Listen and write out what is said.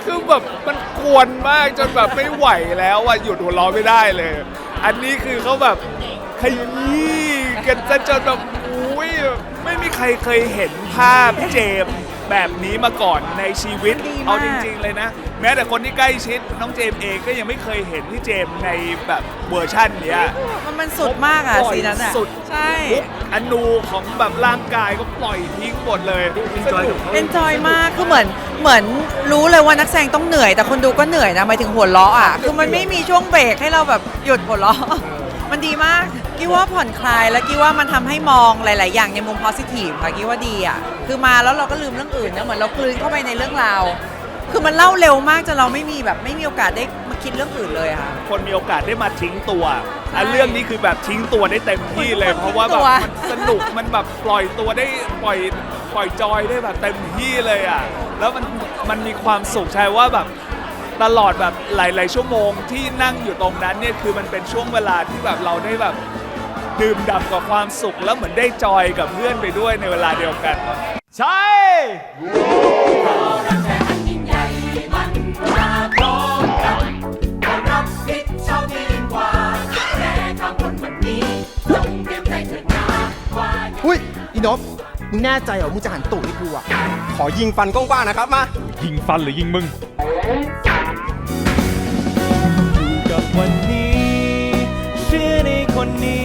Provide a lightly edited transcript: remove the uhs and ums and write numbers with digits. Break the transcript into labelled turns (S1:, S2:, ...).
S1: คือแบบมันกวนมากจนแบบไม่ไหวแล้วอ่ะหยุดหัวเราะไม่ได้เลย อันนี้คือเขาแบบขยี้กันจนแบบอุ้ยไม่มีใครเคยเห็นภาพพี่เจมส์แบบนี้มาก่อนในชีวิตเอาจริงๆเลยนะ แม้แต่คนที่ใกล้ชิดน้องเจมส์เองก็ยังไม่เคยเห็นพี่เจมส์ในแบบเวอร์ชั่นเนี้ย
S2: มันสุดมากอ่ะซีนั้นอ่ะ
S1: สุด
S2: ใช่
S1: ทุกอนูของแบบร่างกายก็ปล่อยทิ้งหมดเลยสนุก
S2: เอนจอยมากคือเหมือนรู้เลยว่านักแสดงต้องเหนื่อยแต่คนดูก็เหนื่อยนะหมายถึงหัวเราะอ่ะคือมันไม่มีช่วงเบรกให้เราแบบหยุดหัวเราะมันดีมากกี้ว่าผ่อนคลายแล้วกี้ว่ามันทำให้มองหลาย ๆ อย่างในมุม positive ค่ะกี้ว่าดีอ่ะคือมาแล้วเราก็ลืมเรื่องอื่นนะเหมือนเรากลืนเข้าไปในเรื่องราวคือมันเล่าเร็วมากจนเราไม่มีโอกาสได้มาคิดเรื่องอื่นเลยค่ะ
S1: คนมีโอกาสได้มาทิ้งตัวอันเรื่องนี้คือแบบทิ้งตัวได้เต็มที่เลย เพราะว่าแบบมันสนุกมันแบบปล่อยตัวได้ปล่อยจอยได้แบบเต็มที่เลยอ่ะแล้วมันมีความสุขใช่ว่าแบบตลอดแบบหลาย ๆ ชั่วโมงที่นั่งอยู่ตรงนั้นเนี่ยคือมันเป็นช่วงเวลาที่แบบเราได้แบบดื่มด่ำกับความสุขแล้วเหมือนได้จอยกับเพื่อนไปด้วยในเวลาเดียวกันใช่
S3: อุ้ยอีนพมึงแน่ใจเหรอมึงจะหันตูดให้กูอ่ะขอยิงฟันกว้างๆนะครับมา
S4: ยิงฟันหรือยิงมึง
S5: อยู่กับวันนี้เชื่อในคนนี้